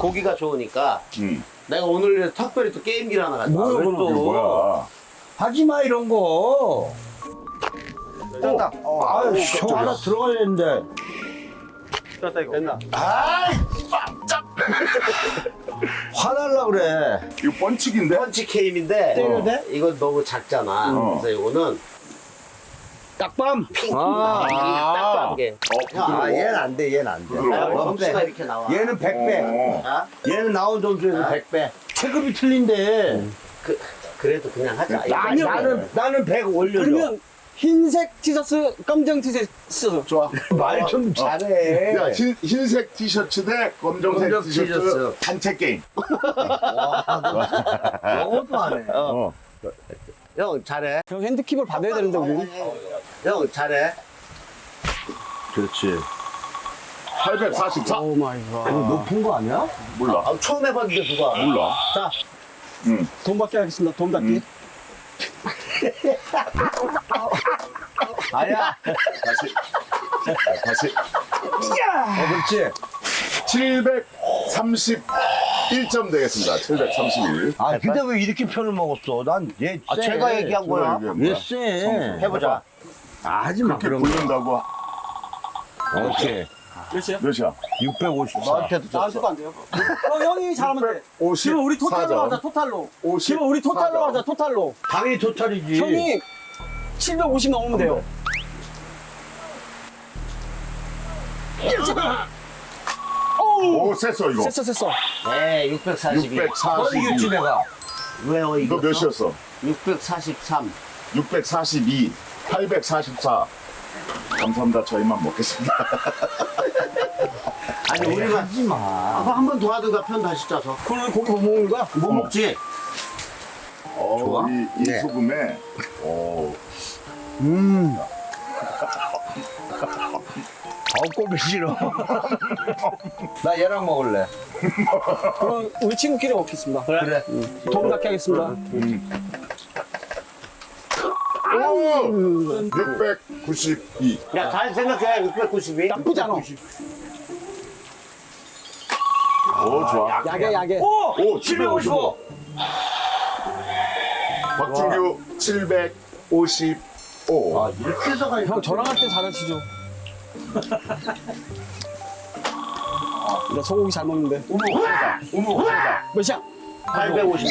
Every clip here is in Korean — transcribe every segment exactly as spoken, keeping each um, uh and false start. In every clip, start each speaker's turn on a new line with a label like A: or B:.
A: 보기가 좋으니까
B: 응.
A: 내가 오늘 특별히 또 게임기를 하나 가져왔어.
C: 뭐야,
A: 또.
C: 그건
B: 이거 뭐야?
C: 하지 마, 이런 거.
A: 떴다.
C: 어, 아유, 저 하나 들어가야 되는데.
A: 떴다 이거. 됐나?
B: 아이, 깜짝.
C: 화날라 그래.
B: 이거 펀치기인데?
A: 펀치 게임인데
C: 때려도 돼?
A: 이건 너무 작잖아.
B: 어.
A: 그래서 이거는
C: 딱밤.
A: 핑.
C: 아,
A: 아, 딱 게.
B: 어, 부드러워.
C: 아, 얘는 안 돼, 얘는 안 돼.
B: 부드러워.
A: 점수가 이렇게 나와.
C: 얘는 백 배.
B: 어.
A: 아?
C: 얘는 나온 점수에서
A: 아?
C: 백 배. 체급이 틀린데.
A: 그 그래도 그냥 하자.
C: 나,
A: 이거
C: 나는, 나는 백 올려줘.
D: 그러면 흰색 티셔츠, 검정 티셔츠.
B: 좋아.
C: 말 좀 잘해.
B: 야, 흰, 흰색 티셔츠 대 검정색
C: 검정
B: 티셔츠,
C: 티셔츠.
B: 단체 게임.
C: 영어도 안 해.
B: 어.
A: 형 잘해.
D: 형 핸드킵을 받아야 되는데, 우리.
A: 형 잘해.
C: 그렇지.
B: 팔백사십사.
D: 오 마이
C: 이거
D: 갓.
C: 높은 거 아니야?
B: 몰라.
A: 아, 처음 해봤는데 누가?
B: 몰라.
A: 자,
B: 응.
D: 돈 받게 하겠습니다. 돈 받기.
B: 음.
C: 아야.
B: 다시. 다시.
C: 어, 그렇지.
B: 칠백삼십일 점 되겠습니다. 칠백삼십일.
C: 아, 근데 왜 이렇게 편을 먹었어? 난 얘.
A: 아,
C: 쎄.
A: 제가 얘기한 거야.
C: 얘 쎄.
A: 해보자.
C: 아, 하지 마.
B: 그렇게
C: 그런 거.
B: 부른다고
C: 오케이.
D: 몇이야?
B: 몇이야?
C: 육백오십사.
A: 너한테도
D: 나한테
A: 줬어.
D: 안 돼요. 어, 형이 잘하면 돼.
B: 오십.
D: 지금 우리 토탈로 하자, 토탈로.
B: 오십.
D: 지금 우리 토탈로 하자, 토탈로.
C: 당연히 토탈이지.
D: 형이 칠백오십 넘으면 돼요.
B: 오, 셌어, 이거.
D: 셌어, 셌어.
A: 네, 육백사십이.
C: 너 이겼지,
B: 육백사십이.
C: 내가.
A: 왜요,
B: 너
A: 이거?
B: 몇이었어?
A: 육백사십삼.
B: 육백사십이. 팔백사십사. 감사합니다. 저희만 먹겠습니다.
A: 아니, 우리만
C: 하지 마.
A: 한 번 더 하든가 편 다시 짜서.
D: 그럼 고기 못 먹는 거야?
A: 뭐 먹지?
B: 어,
C: 좋아?
B: 이, 이
C: 네.
B: 소금에, 어,
C: 음. 아우, 꼴기 싫어. 나 얘랑 먹을래.
D: 그럼 우리 친구끼리 먹겠습니다.
C: 그래.
D: 돈 받게 하겠습니다.
B: 오! 육백구십이.
A: 야, 잘 생각해. 육백구십이.
D: 나쁘지 않아.
B: 오, 좋아.
D: 야게, 야게.
B: 오, 칠백오십오. 박준규 칠백오십오.
C: 아, 이렇게 해서 가니까.
D: 형 저랑 할 때 잘하시죠. 나 소고기 잘 먹는데.
B: 어머, 하다. 어머, 하다.
D: 몇이야?
A: 팔백오십.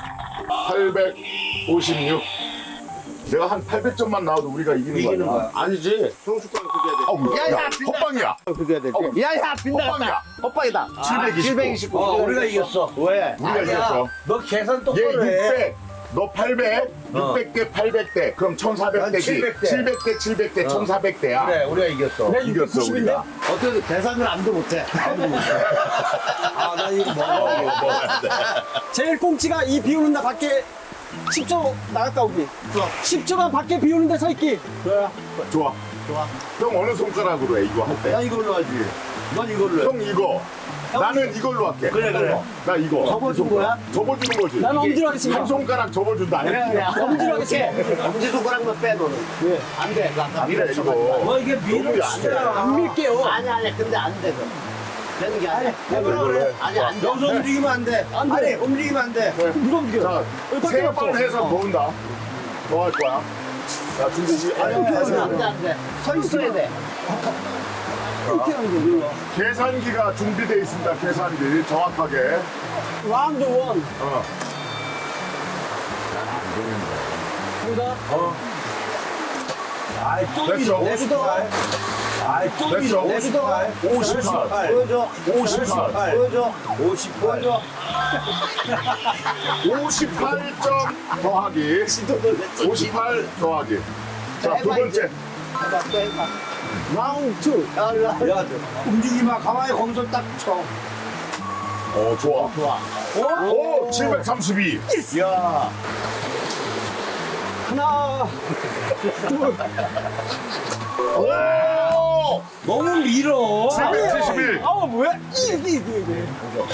B: 팔백오십육. 내가 한 팔백 점만 나와도 우리가 이기는,
A: 이기는
B: 거야.
A: 거야. 아니지. 형수과는 그게 해야 돼.
B: 어우,
A: 야,
B: 야,
A: 야, 빈다.
B: 헛방이야.
A: 그게 해야 돼.
B: 어우.
A: 야, 야, 빈다갔다.
B: 헛방이야.
A: 헛방이다.
B: 칠백이십구.
A: 칠백이십구.
C: 어, 우리가 이겼어.
A: 왜?
B: 우리가
C: 아니야.
B: 이겼어.
C: 너 계산
B: 얘
C: 똑바로 해.
B: 육백, 너 팔백, 육백 대 팔백 대. 그럼 천사백
C: 난
B: 대지.
C: 칠백 대.
B: 칠백 대 칠백 대, 천사백 대야.
C: 그래, 우리가 이겼어.
D: 내가
B: 이겼어,
D: 육백구십인데?
B: 우리가.
A: 어떻게 계산을 안도 못해.
C: 아, 나 이거 먹어.
D: 제일 꽁치가 이 비 오는 날 밖에 십 초 나갔다 오기. 십 초간 밖에 비 오는 데 서 있기.
B: 좋아.
A: 좋아.
B: 형 어느 손가락으로 해, 이거 할 때?
C: 나 이걸로 하지. 넌 이걸로 해.
B: 형 이거. 나는 이걸로 할게.
C: 그래, 그래.
B: 나 이거.
A: 접어준 거야?
B: 접어주는 거지.
D: 나는 엄지로
B: 한
D: 하겠습니다.
B: 손가락 접어준다.
A: 엄지로 하겠지. 엄지손가락만 빼, 너는. 왜? 안 돼. 그 아까
B: 안 돼,
A: 밀어쳐가지고.
B: 이거.
C: 너 이게 밀어
B: 너무 안 돼.
C: 치잖아.
D: 안 밀게요.
A: 아니, 아니, 근데 안 돼, 그 되는 게 아니야.
B: 이걸로 해.
A: 아니, 안 돼.
C: 여기서 움직이면 안 돼.
D: 안 돼.
C: 아니, 움직이면 안 돼.
D: 누가 움직여?
B: 자,
D: 여기
B: 세
D: 밖에
B: 번
D: 없어.
B: 해서 더 온다. 더 할 거야. 자, 준비 시 아니,
A: 안 돼,
B: 계산.
A: 안 돼, 안 돼. 서 있어야 돼.
D: 이렇게 하는 거.
B: 계산기가 준비되어 있습니다. 계산기. 정확하게.
D: 라운드 원.
B: 어.
D: 보다.
C: 아이, 또
B: 됐어.
C: 밀어. 내비둬. 아이, 또
B: 됐어.
C: 밀어. 내비둬.
B: 오십팔.
A: 보여줘.
B: 오십팔.
A: 보여줘.
C: 오십팔.
A: 보여줘.
B: 오십팔 점 더하기. 오십팔 더하기. 자, 두 번째.
A: 해봐, 또 해봐.
D: 라운드 투.
A: 야, 일로 와.
C: 야, 움직이지 마. 가만히 거기서 딱 쳐.
B: 어, 좋아.
A: 좋아.
B: 오, 칠백삼십이.
C: 야,
D: 하나.
B: 오!
C: 너무 밀어.
B: 칠백칠십일.
D: 아 뭐야? 이게 이게 이게.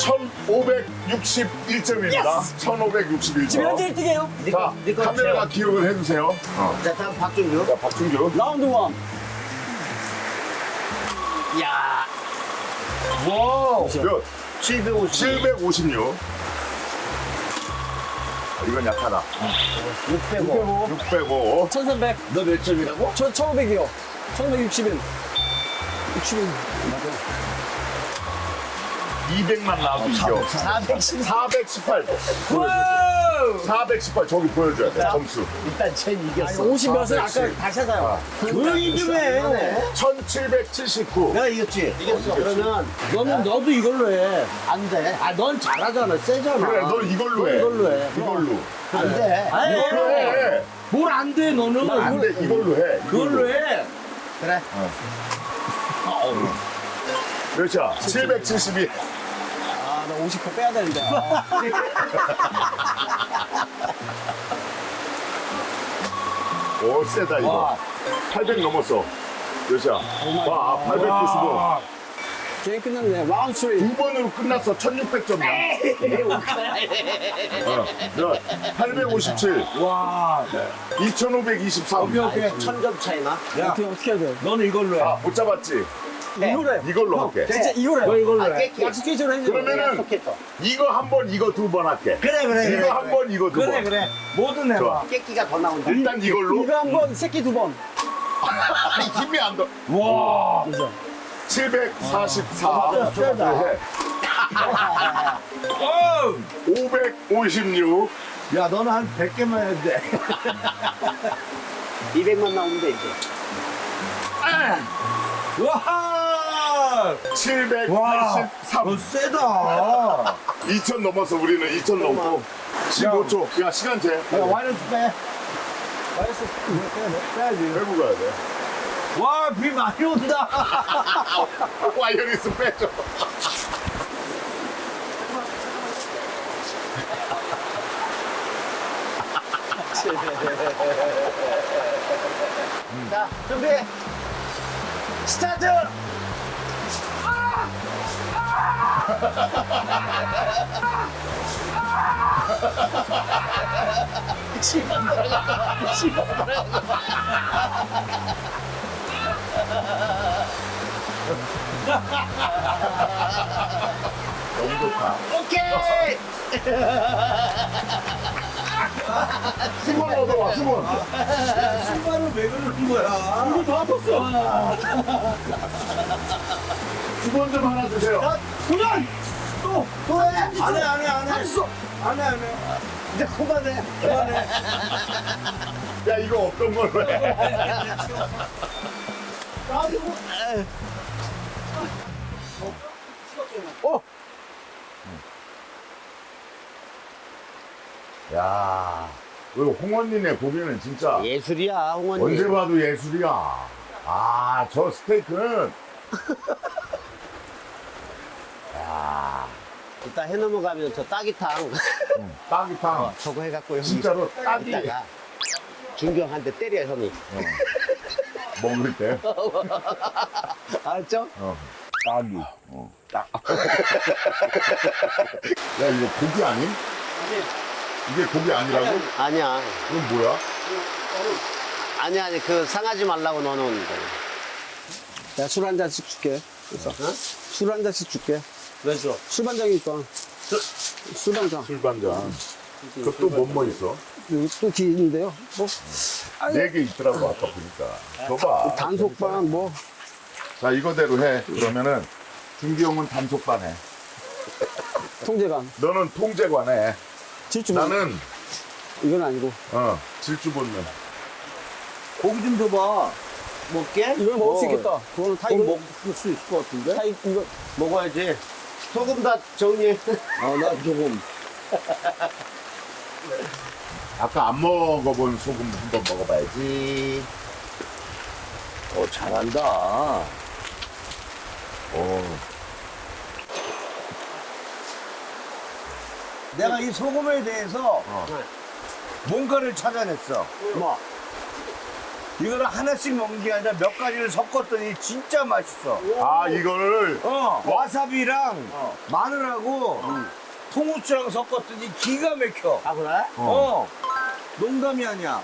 B: 천오백육십일 점입니다. 천오백육십일
D: 지금
B: 점.
D: 현재 일 등이에요.
B: 자,
A: 네 거
B: 카메라 기억을 해주세요. 어.
A: 자, 다음 박준규.
B: 자, 박준규.
D: 라운드 원.
A: 야.
C: 와우.
B: 몇?
A: 칠백오십.
B: 칠백오십육. 아, 이건 약하다.
A: 육백오.
B: 육백오.
D: 천삼백.
A: 너 몇 점이라고?
D: 저 천오백이요. 천오백육십일. 육십일.
B: 이백만 나와도 이겨.
A: 사백십.
B: 사백십팔. 사백십팔 저기 보여줘야 돼. 점수.
A: 일단 쟨 이겼어.
D: 오십 몇은 아까
B: 사백십.
D: 다시 하자요.
C: 조용히 좀 해.
B: 천칠백칠십구.
A: 내가 이겼지? 이겼어. 그러면
C: 너는 너도 이걸로 해.
A: 안 돼.
C: 아, 넌 잘하잖아. 세잖아.
B: 그래, 너 이걸로 해.
C: 이걸로 해.
B: 이걸로.
A: 안 돼.
C: 아,
B: 이걸로 해.
C: 뭘 안 돼, 너는.
B: 안 돼, 이걸로 해.
C: 그걸로 해.
A: 그래.
B: 몇이야? 칠백칠십이.
D: 아, 나 오십 퍼센트 빼야 되는데. 아.
B: 오, 세다, 이거. 팔백 넘었어. 몇이야? 와, 팔백구십오.
D: 게임 끝났네. 와운 쓰리.
B: 두 번으로 끝났어. 천육백 점이야. 어, 팔백오십칠.
C: 와.
B: 이천오백이십삼.
C: 오케이, 오케이.
A: 천 점 차이나?
C: 야,
D: 어떻게, 어떻게 해야 돼?
C: 너는 이걸로 해.
B: 아, 못 잡았지?
D: 이거로 해.
B: 이걸로 할게.
D: 진짜 이거로
C: 너
D: 해.
C: 이걸로
A: 아,
C: 해.
A: 깨끼.
D: 약속해줘로 해줘.
B: 그러면은
A: 약속했어.
B: 이거 한 번, 이거 두 번 할게.
C: 그래, 그래, 그래.
B: 이거 한 번, 이거 두
C: 그래,
B: 번.
C: 그래. 뭐든 해봐.
B: 좋아.
A: 깨끼가 더 나온다.
B: 일단 이걸로.
D: 이거 한 번, 새끼 두 번.
B: 아니, 힘이 안 더.
C: 와.
D: 그죠?
B: 칠백사십사.
C: 아, 세다. 어!
B: 오백오십육.
C: 야, 너는 한 백 개만 해도 돼.
A: 이백만 나오면 돼, 이제.
C: 와!
B: 칠백팔십삼.
C: 너 세다.
B: 이천 넘었어, 우리는. 이천 넘고. 십오 초. 야, 시간 재.
C: 야, 와이너스 빼.
D: 마이너스
C: 빼야지.
B: 빼고 가야 돼.
C: 와, 비 많이 온다.
B: 와이어리스 빼줘.
A: 자, 준비. 스타트! 시간 들어가. 시간 들어가.
B: 너무 좋다.
A: 오케이!
B: 수건 얻어와, 수건.
C: 신발을 왜 그러는 거야?
D: 이거 더 아팠어.
B: 수건 좀 하나 주세요.
D: 도전! 또! 또 해!
C: 안 해, 안 해, 안 해.
D: 했어!
C: 안 해, 안 해.
A: 이제 그만해.
C: 그만해.
B: 야, 이거 어떤 걸로 해?
D: 어!
B: 야, 그 홍원님의 고기는 진짜
A: 예술이야, 홍원님.
B: 언제 봐도 예술이야. 아, 저 스테이크는. 야,
A: 이따 해 넘어가면 저 따기탕
B: 따기탕.
A: 저거 해갖고 형이
B: 진짜로 따기
A: 이따가 준경 한 대 때려 형이.
B: 먹을 때.
A: 알았죠?
B: 어. 따기. 어. 따. 야, 이거 고기 아님? 이게 고기 아니라고?
A: 아니야.
B: 이건 뭐야?
A: 아니 아니 그 상하지 말라고 넣어놓은 거.
D: 내가 술 한 잔씩 줄게. 그래서 술 한 잔씩 줄게.
A: 왜죠?
D: 술반장이니까. 술반장.
B: 술반장. 그것도 뭐뭐 있어?
D: 여기 또 뒤에 있는데요. 뭐,
B: 네 개 있더라고, 아까 보니까. 줘봐.
D: 단속반, 뭐.
B: 자, 이거대로 해. 그러면은, 준기 형은 단속반 해.
D: 통제관.
B: 너는 통제관 해.
D: 질주.
B: 나는,
D: 이건 아니고.
B: 어, 질주 본능.
C: 고기 좀 줘봐.
A: 먹게?
D: 이걸 먹을 수
A: 어,
D: 있겠다. 그거는 다
C: 이거
D: 이거.
C: 먹을 수 있을 것 같은데?
D: 다 이- 이거.
A: 먹어야지. 소금 다 정리해.
C: 아, 나 조금.
B: 아까 안 먹어본 소금 한번 먹어봐야지.
C: 어, 잘한다.
B: 어.
C: 내가 이 소금에 대해서
B: 어.
C: 뭔가를 찾아냈어.
A: 뭐?
C: 이거를 하나씩 먹는 게 아니라 몇 가지를 섞었더니 진짜 맛있어.
B: 아, 이거를,
C: 어, 와사비랑 마늘하고 통후추랑 섞었더니 기가 막혀.
A: 아 그래?
C: 어. 농담이 아니야.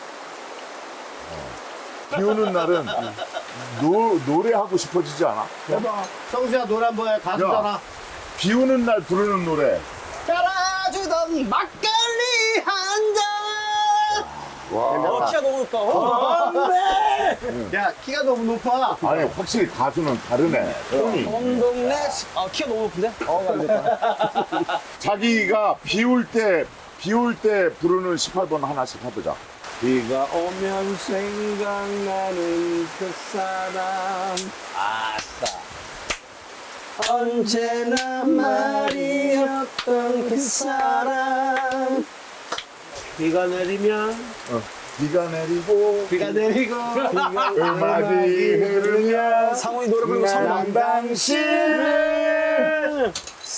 B: 비 오는 날은 노, 노래하고 싶어지지 않아?
C: 해봐.
A: 성수야 노래 한번 해. 가수잖아.
B: 비 오는 날 부르는 노래.
D: 깔아주던 막걸리 한 잔. 어, 키가 너무 높다. 어,
A: 야, 키가 너무 높아.
B: 아니, 확실히 가수는 다르네. 톤이.
D: 동동네. 아, 키가 너무 높은데? 어, 안 됐다.
B: 자기가 비 올 때, 비 올 때 부르는 십팔 번 하나씩 해보자.
C: 비가 오면 생각나는 그 사람.
D: 아싸. 언제나 말이었던 그 사람.
A: 비가 내리면,
B: 비가 내리고,
A: 비가 내리고,
B: 음악이 흐르면,
D: 상훈이 노래 부르고 참
B: 난 당신을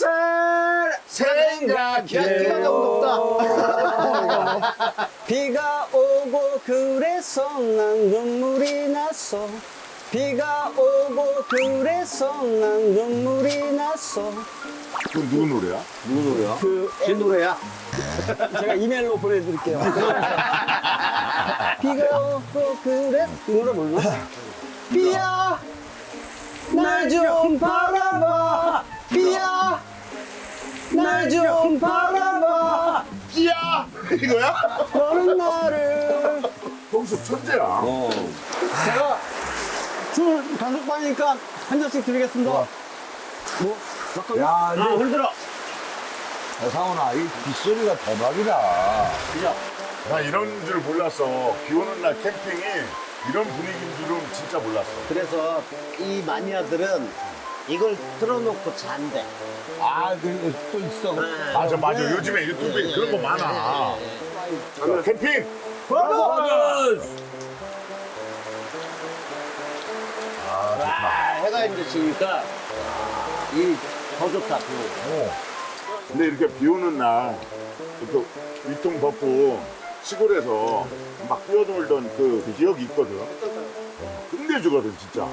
B: 생각해.
A: 키가 너무 높다.
D: 비가 오고 그래서 난 눈물이 났어. 비가 오고 그래서 난 눈물이 났어.
B: 그 누구 노래야?
A: 제 노래야.
D: 제가 이메일로 보내드릴게요. 비가 오고 그래 이 노래 몰라? 비야 날 좀 바라봐. 비야 날 좀 바라봐.
B: 야 이거야?
D: 너는 나를.
B: 동숙 천재야.
C: 어.
D: 제가 술 단속반이니까 한 잔씩 드리겠습니다. 뭐? 막걸리?
C: 야,
A: 아,
C: 근데
A: 흔들어.
C: 야, 상훈아, 이 빗소리가 대박이다.
B: 나 이런 줄 몰랐어. 비 오는 날 캠핑이 이런 분위기인 줄은 진짜 몰랐어.
A: 그래서 이 마니아들은 이걸 틀어놓고 잔대.
C: 아, 그, 또 있어.
A: 네.
B: 맞아, 맞아. 요즘에 유튜브에 그런 거 많아. 캠핑!
A: 와, 해가 이제 지니까 이 더 좋다. 비 오고.
B: 어. 근데 이렇게 비 오는 날, 또 위통 벗고 시골에서 막 뛰어놀던 그 기억이 있거든. 어, 끝내주거든, 진짜.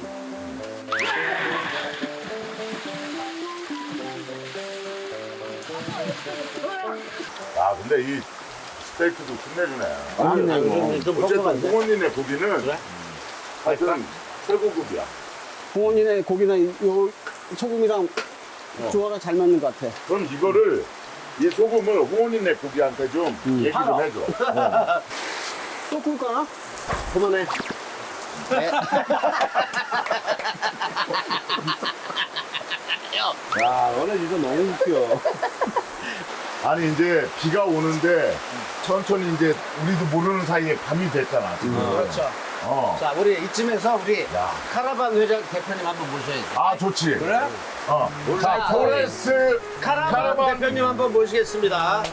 B: 아, 근데 이 스테이크도 끝내주네.
A: 아, 좀, 좀
B: 어쨌든
A: 뻑뻑한데?
B: 부모님의 고기는 하여튼 최고급이야.
D: 부모님의 고기나 이- 요 소금이랑 조화가 잘 맞는 것 같아.
B: 그럼 이거를 이 소금을 호원이네 고기한테 좀 얘기 좀 해줘.
D: 또 꿀까나?
A: 그만해. 네.
C: 야, 너네 진짜 너무 웃겨.
B: 아니 이제 비가 오는데 천천히 이제 우리도 모르는 사이에 밤이 됐잖아. 지금.
A: 그렇죠.
B: 어.
A: 자, 우리 이쯤에서 우리
B: 야.
A: 카라반 회장 대표님 한번 모셔야지.
B: 아 좋지.
C: 그래?
B: 어. 자
A: 우리
B: 포레스
A: 카라반,
B: 카라반
A: 대표님 한번 모시겠습니다.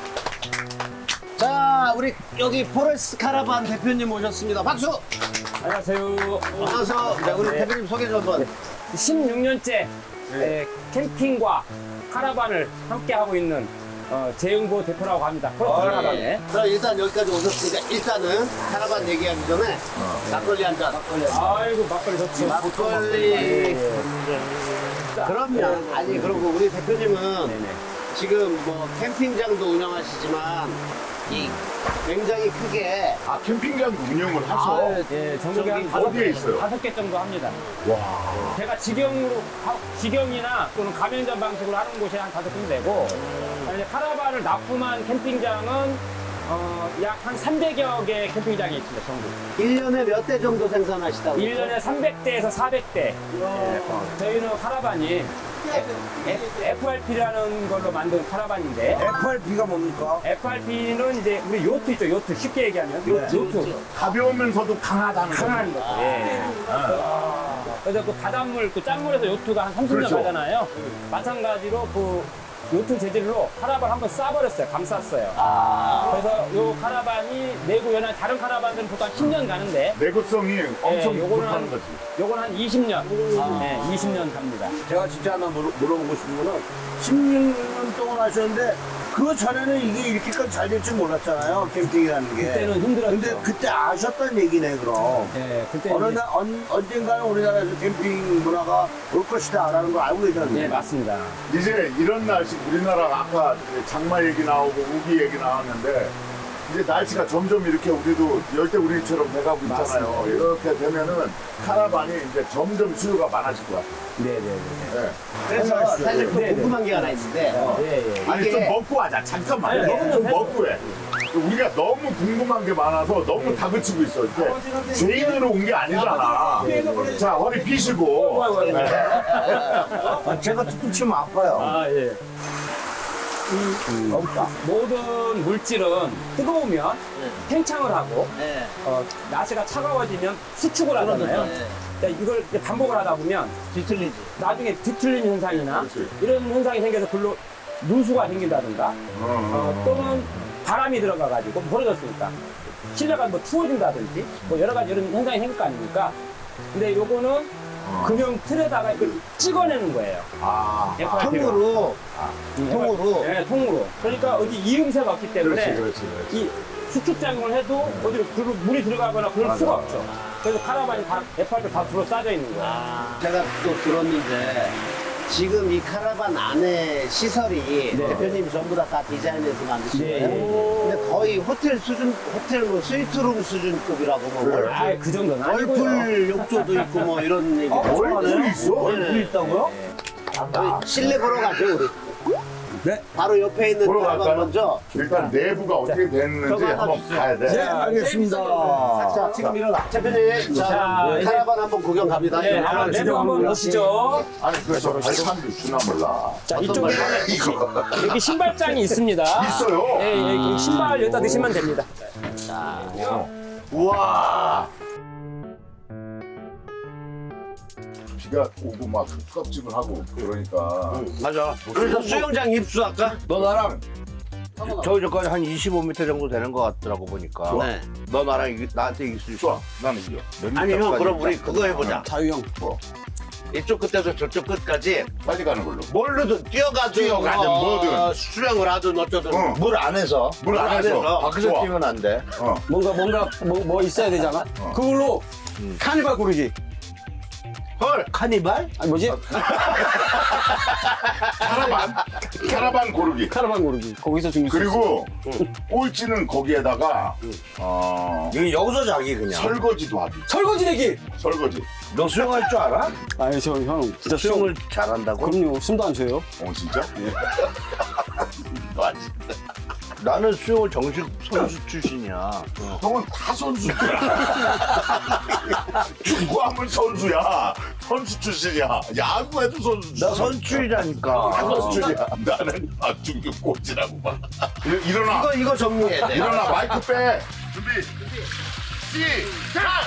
A: 자, 우리 여기 포레스 카라반 대표님 모셨습니다. 박수!
E: 안녕하세요.
A: 어서 자, 우리 대표님 소개 좀 한번.
E: 십육 년째 캠핑과 카라반을 함께 하고 있는 어, 재흥보 대표라고 합니다. 포레스트 카라반에.
A: 자, 일단 여기까지 오셨으니까 일단은 카라반 얘기하기 전에 막걸리 한 잔. 막걸리 한 잔.
E: 아이고 막걸리 좋지.
A: 막걸리. 그럼요. 아니, 그리고 우리 대표님은 지금 뭐 캠핑장도 운영하시지만 이 굉장히 크게
B: 아 캠핑장도 운영을 하셔.
E: 예, 전국에 한
A: 저기
E: 다섯
B: 어디에
E: 개,
B: 있어요?
E: 다섯 개 정도 합니다.
B: 와.
E: 제가 직영으로, 하- 직영이나 또는 가맹점 방식으로 하는 곳이 한 다섯 군데 되고, 이제 카라반을 납품한 캠핑장은 어, 약 한 삼백여 개 캠핑장이 있습니다, 전국.
A: 일 년에 몇 대 정도 생산하시다고?
E: 일 년에 삼백 대에서 사백 대. 저희는 카라반이 에프알피라는 걸로 만든 카라반인데,
C: 에프알피가 뭡니까?
E: 에프알피는 이제 우리 요트 있죠, 요트. 쉽게 얘기하면. 요트. 요트.
B: 가벼우면서도 강하다는 거.
E: 강한 거. 예. 그래서 그 바닷물, 그 짠물에서 요트가 한 삼십 년
B: 그렇죠.
E: 가잖아요. 마찬가지로 그 요트 재질로 카라반 한번 싸버렸어요. 감쌌어요. 그래서 요 카라반이 내구 연한 다른 카라반들은 보통 한 십 년 가는데,
B: 내구성이 엄청
E: 예, 요거는
B: 좋다는
E: 한,
B: 거지.
E: 요건 한 이십 년. 네, 이십 년 갑니다.
C: 제가 진짜 하나 물어, 물어보고 싶은 거는 십육 년 동안 하셨는데 그 전에는 이게 이렇게까지 잘 될 줄 몰랐잖아요. 캠핑이라는 게.
E: 그때는 힘들었죠.
C: 근데 그때 아셨던 얘기네, 그럼.
E: 예, 그때
C: 어느
E: 이제-
C: 날, 언, 언젠가는 우리나라에서 캠핑 문화가 올 것이다 라는 걸 알고 계셨는데.
E: 네, 맞습니다.
B: 이제 이런 날씨 우리나라 아까 장마 얘기 나오고 우기 얘기 나왔는데 이제 날씨가 점점 이렇게 우리도 열대우림처럼 돼가고 있잖아요. 이렇게 되면은 카라반이 이제 점점 수요가 많아질 것 같아요.
C: 네네네.
B: 네.
A: 그래서 사실 또
C: 네, 네.
A: 궁금한 게 하나 있는데
C: 예, 예.
B: 아니
A: 이게-
B: 좀 먹고 하자. 잠깐만.
C: 네,
B: 너무 좀
C: 네.
B: 먹고 해. 우리가 너무 궁금한 게 많아서 너무 다그치고 있어. 이렇게 죄인으로 온 게 아니잖아. 자, 허리 피시고. 네.
C: 아, 제가 툭툭 치면 아파요.
E: 아, 예.
C: 없다.
E: 모든 물질은 뜨거우면 팽창을 하고
A: 네.
E: 어, 날씨가 차가워지면 수축을 하잖아요.
A: 네.
E: 그러니까 이걸 이제 반복을 하다 보면
A: 뒤틀리지.
E: 나중에 뒤틀리는 현상이나
B: 그렇지.
E: 이런 현상이 생겨서 글로 누수가 생긴다든가
B: 어,
E: 어, 또는 바람이 들어가가지고 벌어졌으니까 실내가 뭐 추워진다든지 뭐 여러 가지 이런 현상이 생길 거 아닙니까? 근데 요거는 금형 틀에다가 이걸 찍어내는 거예요.
B: 아,
E: 에프아이피로.
A: 통으로.
E: 음,
A: 통으로?
E: 네, 통으로. 그러니까 어디 이음새가 없기 때문에
B: 그렇지, 그렇지, 그렇지.
E: 이 수축작용을 해도 어디로 글로 물이 들어가거나 그럴
B: 맞아,
E: 수가
B: 맞아.
E: 없죠. 그래서 카라반이 다 에프아이피 다 둘러싸여 있는 거예요.
A: 아, 제가 또 들었는데 지금 이 카라반 안에 시설이 대표님이 전부 다, 다 디자인해서 만드신
E: 네,
A: 거예요?
E: 예, 예.
A: 근데 거의 호텔 수준, 호텔 뭐 스위트룸 수준급이라고 뭐
B: 그래.
A: 월-
E: 아, 그 정도는 아니고요.
A: 월풀 욕조도 있고 뭐 이런 얘기.
B: 얼굴이 있어?
C: 얼굴 있다고요?
A: 실내 보러 가죠 우리.
C: 네.
A: 바로 옆에 있는
B: 보러
A: 카라반
B: 갈까요?
A: 먼저.
B: 일단 내부가 어떻게 됐는지
A: 저거 하나
B: 한번
A: 주세요.
B: 봐야 돼.
C: 네, 알겠습니다.
A: 자, 지금 일어나. 대표님, 자,
E: 자, 이제-
A: 카라반 한번 구경 갑니다.
E: 네, 한번
A: 이거
E: 내부 한번 보시죠.
B: 아니 그래서 발판도 주나 몰라.
E: 자, 이쪽에
B: 이거
E: 여기 신발장이 있습니다.
B: 있어요?
E: 예, 예, 그 신발 여기다 넣으시면 됩니다.
B: 우와. 비가 오고 막 껍질을 하고 그러니까
A: 맞아. 그래서 수영장 입수할까?
C: 너 나랑 저기 저까지 한 이십오 미터 정도 되는 것 같더라고 보니까.
A: 네.
C: 너 나랑 이- 나한테 이길 수 있어.
B: 좋아. 나는 이겨. 몇
A: 아니 형,
B: 미터까지
A: 그럼 우리
B: 일단
A: 그거 해보자.
D: 자유형.
B: 뭐
A: 이쪽 끝에서 저쪽 끝까지
B: 빨리 가는 걸로.
A: 뭘로든 뛰어가든
B: 뛰어가든
A: 어,
B: 뭐든.
A: 수영을 하든 어쩌든.
B: 응.
C: 물 안에서.
B: 물 안에서.
C: 밖에서
B: 좋아.
C: 뛰면 안 돼.
B: 어.
D: 뭔가 뭔가 뭐, 뭐 있어야 되잖아.
B: 어.
D: 그걸로 카니발 고르기.
A: 헐.
C: 카니발?
D: 아니 뭐지?
B: 카라반. 카라반 고르기.
D: 카라반 고르기. 거기서 준비.
B: 그리고 꼴찌는 거기에다가 어,
C: 여기 여기서 자기 그냥.
B: 설거지도 하기.
D: 설거지 내기.
B: 설거지.
C: 너 수영할 줄 알아?
D: 아니 저 형 진짜
C: 수영을 잘한다고?
D: 그럼요. 숨도 안 쉬어요.
B: 어 진짜?
A: 맞지.
C: 나는 수영을 정식 선수 출신이야.
B: 형은 다 선수야. 축구하면 선수야. 선수 출신이야. 야구해도 선수.
C: 나 선출이라니까.
B: 다 선수야. 나는 박중규 꼴찌라고 봐. 일- 일어나.
A: 이거 이거 정리해야 돼.
B: 일어나. 마이크 빼. 준비. 시작.